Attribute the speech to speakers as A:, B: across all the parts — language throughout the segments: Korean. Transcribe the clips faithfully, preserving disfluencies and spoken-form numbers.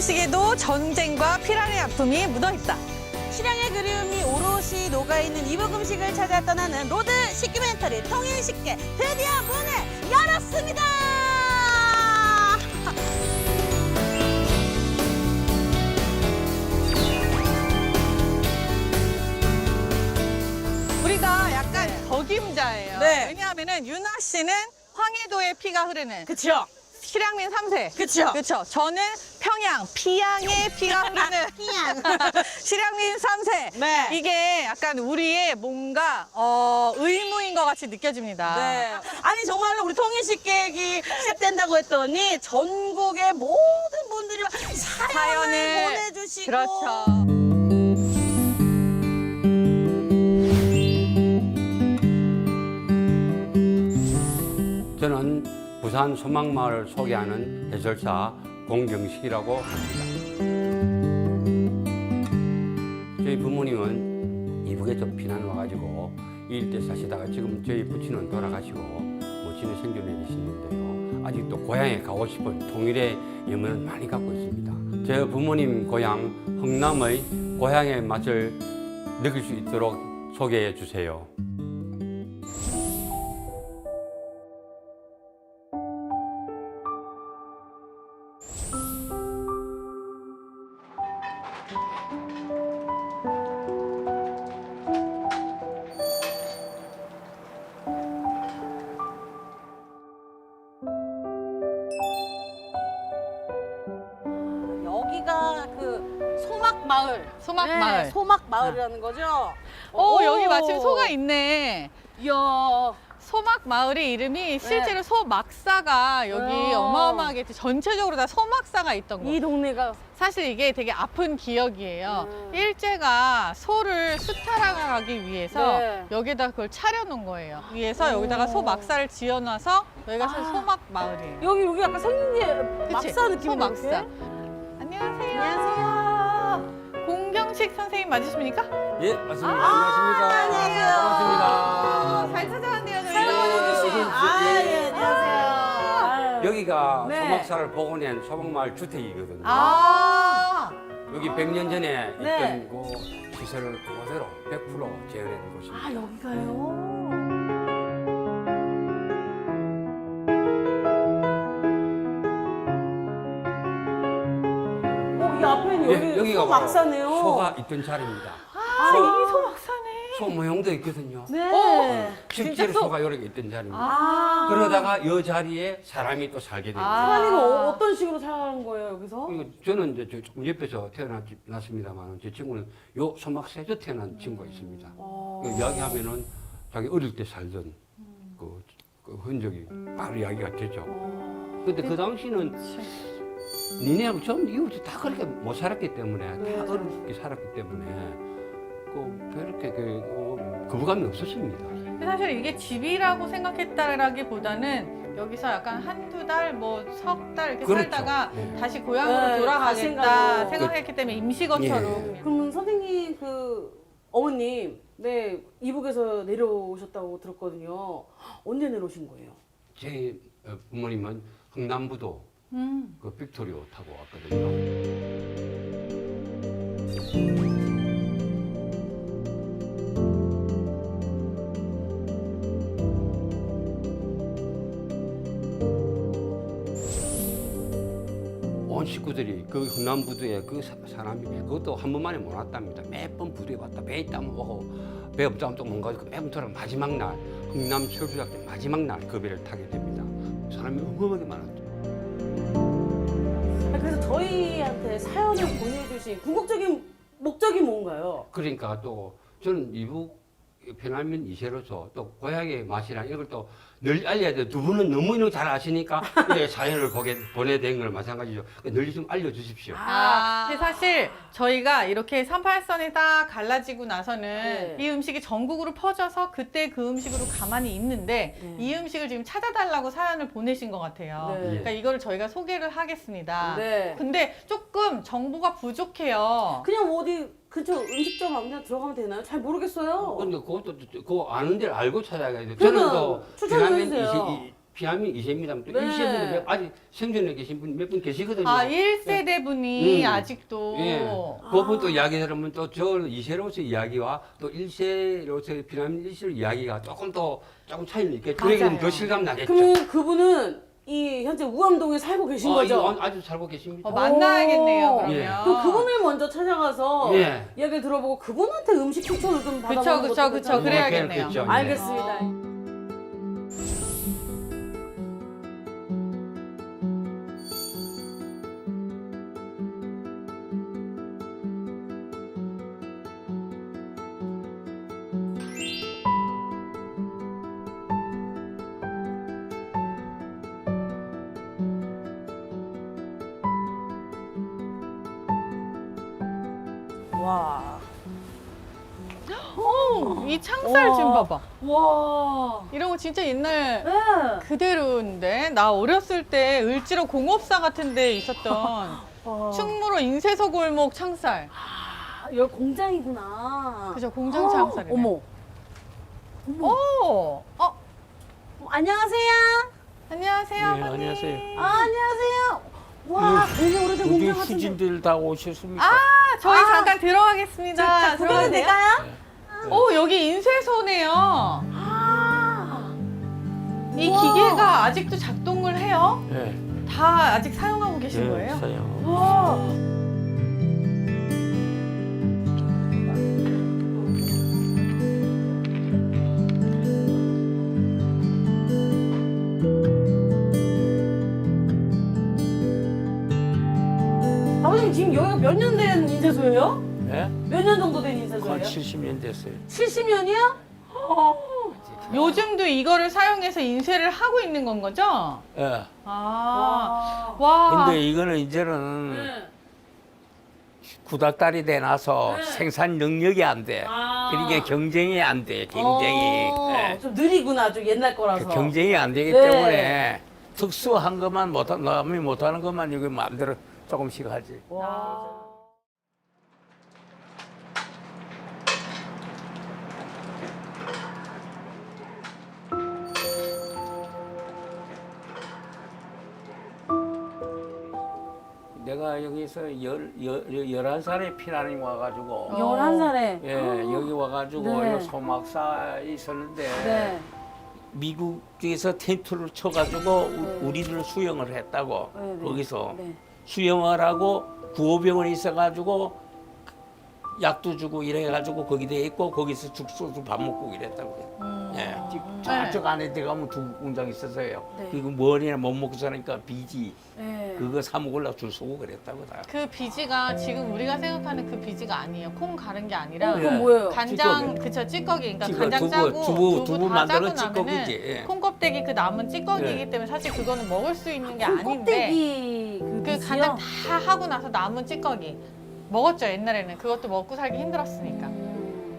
A: 음식에도 전쟁과 피란의 아픔이 묻어있다.
B: 실향의 그리움이 오롯이 녹아있는 이북 음식을 찾아 떠나는 로드 식기멘터리 통일식계 드디어 문을 열었습니다.
A: 우리가 약간 덕임자예요.
B: 네.
A: 왜냐하면은 유나 씨는 황해도의 피가 흐르는
B: 그쵸?
A: 실향민 삼 세.
B: 그쵸?
A: 그렇죠. 저는 평양, 피양의 피가 흐르는
B: 피양.
A: 실향민 삼 세.
B: 네.
A: 이게 약간 우리의 뭔가 어, 의무인 것 같이 느껴집니다.
B: 네. 아니 정말로 우리 통일식객이 시작된다고 했더니 전국의 모든 분들이 막 사연을,
A: 사연을
B: 보내주시고
A: 그렇죠.
C: 저는 부산 소망마을을 소개하는 해설사 공경식이라고 합니다. 저희 부모님은 이북에 좀 피난 와가지고 이 일대 사시다가 지금 저희 부친은 돌아가시고 모친은 생존해 계시는데요. 아직도 고향에 가고 싶은 통일의 염원을 많이 갖고 있습니다. 제 부모님 고향 흥남의 고향의 맛을 느낄 수 있도록 소개해 주세요.
B: 여기가 그 소막마을.
A: 소막마을.
B: 네, 소막마을이라는 거죠?
A: 오,
B: 오.
A: 여기 마침 소가 있네.
B: 이야.
A: 소막 마을의 이름이 실제로 소막사가 여기
B: 네.
A: 어마어마하게 전체적으로 다 소막사가 있던
B: 이
A: 거.
B: 동네가
A: 사실 이게 되게 아픈 기억이에요.
B: 음.
A: 일제가 소를 수탈하기 위해서
B: 네.
A: 여기다 그걸 차려놓은 거예요. 위에서
B: 오.
A: 여기다가 소막사를 지어놔서 여기가 사실
B: 아.
A: 소막 마을이에요.
B: 여기 여기 약간 생긴 게
A: 그치?
B: 막사 느낌이
A: 소막사. 안녕하세요.
B: 안녕하세요.
A: 공경식 선생님 맞으십니까?
C: 예, 맞습니다.
B: 아,
C: 안녕하십니까.
B: 안녕하세요.
C: 반갑습니다.
A: 잘 찾아왔네요, 저희가.
B: 사용해주신
C: 예.
B: 아, 예, 안녕하세요.
C: 여기가
B: 네.
C: 소막사를 복원한 소막마을 주택이거든요.
A: 아,
C: 여기 백 년 전에
B: 네.
C: 있던 그 시설을 그대로 백 퍼센트 재현한 곳입니다.
B: 아, 여기가요? 어, 이 앞에는 여기
C: 예, 여기가 바로
B: 막사네요.
C: 소가 있던 자리입니다.
A: 아,
C: 소,
A: 여기 소막사네.
C: 소 모형도 있거든요.
B: 네.
A: 어.
C: 실제로
A: 진짜 소-
C: 소가 여러 개 있던 자리입니다.
B: 아.
C: 그러다가 이 자리에 사람이 또 살게 됩니다.
A: 아.
B: 사람이 어, 어떤 식으로 사는 거예요, 여기서?
C: 이거 저는 이제 저 조금 옆에서 태어났습니다만 제 친구는 요 소막사에서 태어난 친구가 있습니다.
B: 어.
C: 그 이야기하면은 자기 어릴 때 살던 그, 그 흔적이 바로 이야기가 되죠.
B: 어.
C: 근데 그 당시는 니네하고 전 이웃이 다 그렇게 못 살았기 때문에
B: 네.
C: 다 어렵게 살았기 때문에 그 그렇게 그 어, 거부감이 없었습니다.
A: 근데 사실 이게 집이라고 생각했다라기보다는 여기서 약간 한두 달, 뭐 석 달 이렇게
C: 그렇죠.
A: 살다가
C: 네.
A: 다시 고향으로
B: 네,
A: 돌아가겠다
B: 가신다고.
A: 생각했기 때문에 임시거처로.
C: 예.
A: 그냥.
B: 그럼 선생님 그 어머님, 네, 이북에서 내려오셨다고 들었거든요. 언제 내려오신 거예요?
C: 제 어, 부모님은 흥남부도
A: 음.
C: 그 빅토리오 타고 왔거든요. 온 식구들이 그 흥남부두에 그 사- 사람이 그것도 한 번만에 못 왔답니다. 매번 부두에 왔다 배 있다면 오고 배 없다면 또 뭔가 매번 돌아 마지막 날 흥남 철수작전 마지막 날 그 배를 타게 됩니다. 사람이 어마어마하게 많았죠.
B: 아, 그래서 저희한테 사연을 보내주신 궁극적인 목적이 뭔가요?
C: 그러니까 또 저는 이북 편안면 이세로서 또 고향의 맛이랑 이걸 또 널리 알려야 돼요. 두 분은 너무 이런 거 잘 아시니까 이렇게 사연을 보게, 보내된 걸 마찬가지죠. 널리 좀 알려주십시오.
A: 아, 근데 사실 저희가 이렇게 삼팔선이 딱 갈라지고 나서는
B: 네.
A: 이 음식이 전국으로 퍼져서 그때 그 음식으로 가만히 있는데
B: 네.
A: 이 음식을 지금 찾아달라고 사연을 보내신 것 같아요.
B: 네.
A: 그러니까 이거를 저희가 소개를 하겠습니다.
B: 네.
A: 근데 조금 정보가 부족해요.
B: 그냥 어디 근처 음식점 아무데나 들어가면 되나요? 잘 모르겠어요.
C: 근데 그것도 그 아는 데를 알고 찾아가야 돼요.
B: 그러니까
C: 저는 또
B: 추천을
C: 편안면
B: 해주세요.
C: 이세- 피암이 이 세입니다. 또
B: 네.
C: 일 세분은 아직 생존해 계신 분 몇 분 계시거든요.
A: 아, 일 세대 분이
C: 음.
A: 아직도.
C: 예. 그분 또 이야기 들으면 또 저 이 세로서 이야기와 또 일 세로서 피라미드 일 세로 이야기가 조금 더 조금 차이는 있겠죠.
A: 맞아요.
C: 그러니까 더 실감 나겠죠.
B: 그러면 그분은 이 현재 우암동에 살고 계신
C: 아,
B: 거죠?
C: 이거 아주 살고 계십니다.
A: 어, 만나야겠네요,
B: 오.
A: 그러면.
C: 예.
B: 그럼 그분을 먼저 찾아가서
C: 예.
B: 이야기를 들어보고 그분한테 음식 추천을 좀
A: 그쵸,
B: 받아보는
A: 그쵸,
B: 것도
A: 그쵸.
B: 괜찮아요.
A: 그래야겠네요.
C: 그렇죠. 예.
B: 알겠습니다. 와.
A: 어, 이 창살 좀
B: 와.
A: 봐봐.
B: 와.
A: 이런 거 진짜 옛날
B: 네.
A: 그대로인데 나 어렸을 때 을지로 공업사 같은 데 있었던
B: 와.
A: 충무로 인쇄소 골목 창살.
B: 아, 여기 공장이구나.
A: 그죠, 공장 창살이네.
B: 어머. 어머.
A: 오, 어,
B: 어, 안녕하세요.
A: 안녕하세요,
D: 네,
A: 아버님.
D: 안녕하세요.
B: 아, 안녕하세요. 와, 굉장히 오래된
D: 우리
B: 공장 같은데.
D: 후진들 다 오셨습니까?
A: 아, 저희
B: 아.
A: 잠깐 들어가겠습니다.
B: 자,
A: 들어가도
B: 구경은
A: 돼요?
B: 될까요?
A: 오, 여기 인쇄소네요.
B: 아.
A: 이
B: 우와.
A: 기계가 아직도 작동을 해요?
D: 네.
A: 다 아직 사용하고 계신
D: 네,
A: 거예요?
D: 사용.
B: 와. 아버님 지금 여기가 몇 년 된 인쇄소예요?
D: 네?
B: 몇 년 정도 된 인쇄소예요?
D: 한 칠십 년 됐어요.
B: 칠십 년이요?
A: 요즘도 이거를 사용해서 인쇄를 하고 있는 건 거죠?
D: 예.
A: 아,
B: 와.
A: 와.
D: 근데 이거는 이제는
B: 네.
D: 구닥다리 돼놔서
B: 네.
D: 생산 능력이 안 돼.
B: 아.
D: 그러니까 경쟁이 안 돼. 경쟁이.
B: 어,
D: 예.
B: 좀 느리구나, 좀 옛날 거라서.
D: 그 경쟁이 안 되기
B: 네.
D: 때문에 특수한 것만 못한 남이 못하는 것만 여기 마음대로 조금씩 하지.
B: 와.
D: 내가 여기서 열, 열, 열한 살에 피난이 와가지고
B: 열한 살에.
D: 예, 여기 와가지고
B: 네.
D: 요 소막사에 있었는데
B: 네.
D: 미국에서 텐트를 쳐가지고 우- 우리를 수영을 했다고
B: 네, 네.
D: 거기서
B: 네.
D: 수영을 하고 구호병원에 있어가지고 약도 주고 이래가지고 거기다 있고 거기서 죽소도 밥 먹고 이랬다고.
A: 음.
D: 예,
A: 네.
D: 저쪽 안에 들어가면 두 공장 있었어요.
B: 네.
D: 그리고 머리나 못 먹고 사니까 비지
B: 네.
D: 그거 사 먹으려고 줄 서고 그랬다고 다.
A: 그 비지가 지금 우리가 생각하는 그 비지가 아니에요. 콩 가른 게 아니라
B: 어, 그건 뭐예요?
A: 간장,
D: 찌꺼기.
A: 그쵸, 찌꺼기. 그러니까
D: 찌꺼기,
A: 간장
D: 두부,
A: 짜고
D: 두부, 두부
A: 다
D: 만들어
A: 짜고 나면은
D: 찌꺼기지, 예.
A: 콩껍데기 그 남은 찌꺼기이기
D: 예.
A: 때문에 사실 그거는 먹을 수 있는 게
B: 콩
A: 아닌데
B: 껍데기 그
A: 그
B: 비지요?
A: 간장 다 하고 나서 남은 찌꺼기 먹었죠, 옛날에는. 그것도 먹고 살기 힘들었으니까.
B: 음.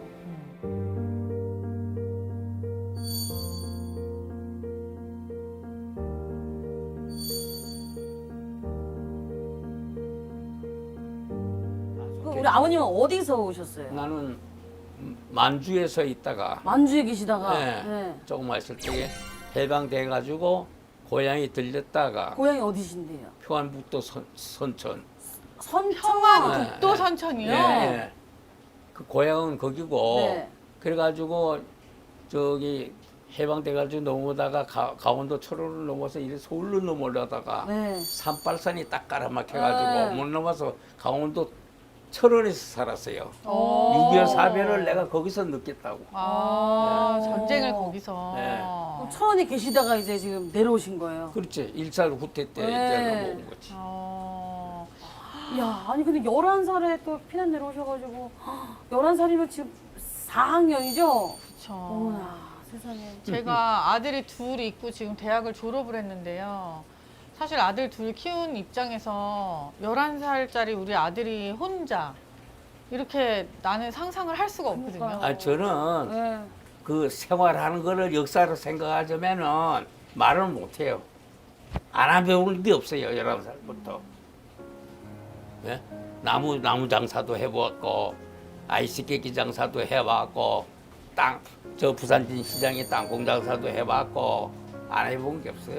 B: 그 우리 아버님은 어디서 오셨어요?
D: 나는 만주에서 있다가
B: 만주에 계시다가
D: 네.
B: 네.
D: 조금 있을 때 해방돼가지고 고향에 들렸다가
B: 고향이 어디신데요?
D: 평안북도 선, 선천.
B: 선천.
A: 평안
D: 네.
A: 북도 선천이요?
D: 예, 예. 그 고향은 거기고
B: 네.
D: 그래가지고 저기 해방돼가지고 넘어다가 가, 강원도 철원을 넘어서 이래 서울로 넘어려다가
B: 네.
D: 산발산이 딱 깔아막혀가지고
B: 네.
D: 못 넘어서 강원도 철원에서 살았어요.
A: 오.
D: 육이오 사변을 내가 거기서 느꼈다고.
A: 아,
B: 네.
A: 전쟁을 거기서.
D: 네.
B: 그럼 천원에 계시다가 이제 지금 내려오신 거예요.
D: 그렇지. 일살 후퇴 때
B: 네.
D: 이제 넘어온 거지.
A: 어.
B: 야, 아니 근데 열한 살에 또 피난 내려오셔가지고 열한 살이면 지금 사 학년이죠?
A: 그쵸.
B: 어머나 세상에.
A: 제가 아들이 둘 있고 지금 대학을 졸업을 했는데요. 사실 아들 둘 키운 입장에서 열한 살짜리 우리 아들이 혼자 이렇게 나는 상상을 할 수가 없거든요.
B: 그러니까요.
D: 아, 저는
B: 네.
D: 그 생활하는 거를 역사로 생각하자면은 말은 못해요. 안 배우는 게 없어요. 열한 살부터. 예? 나무, 나무 장사도 해보았고, 아이스케이크 장사도 해봤고, 땅, 저 부산진 시장에 땅콩 장사도 해봤고, 안 해본 게 없어요.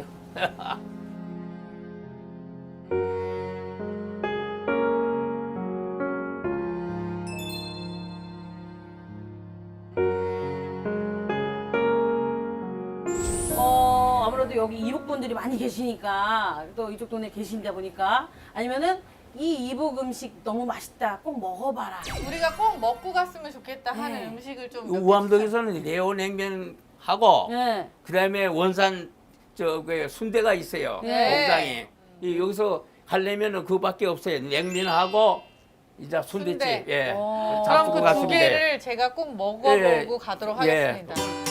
B: 어, 아무래도 여기 이북분들이 많이 계시니까 또 이쪽 동네 계신다 보니까 아니면은 이 이북 음식 너무 맛있다. 꼭 먹어봐라.
A: 우리가 꼭 먹고 갔으면 좋겠다 하는
B: 네.
A: 음식을 좀. 몇 개
D: 우암동에서는 레오냉면하고
B: 네.
D: 그다음에 원산 저그 순대가 있어요.
B: 네.
D: 공장에. 이 여기서 하려면은 그밖에 없어요. 냉면하고 이제 순대집.
A: 순대.
D: 예.
B: 어.
A: 그럼
D: 잡수고
A: 그 두
D: 갔습니다.
A: 개를 제가 꼭 먹어보고
D: 예.
A: 가도록
D: 예.
A: 하겠습니다.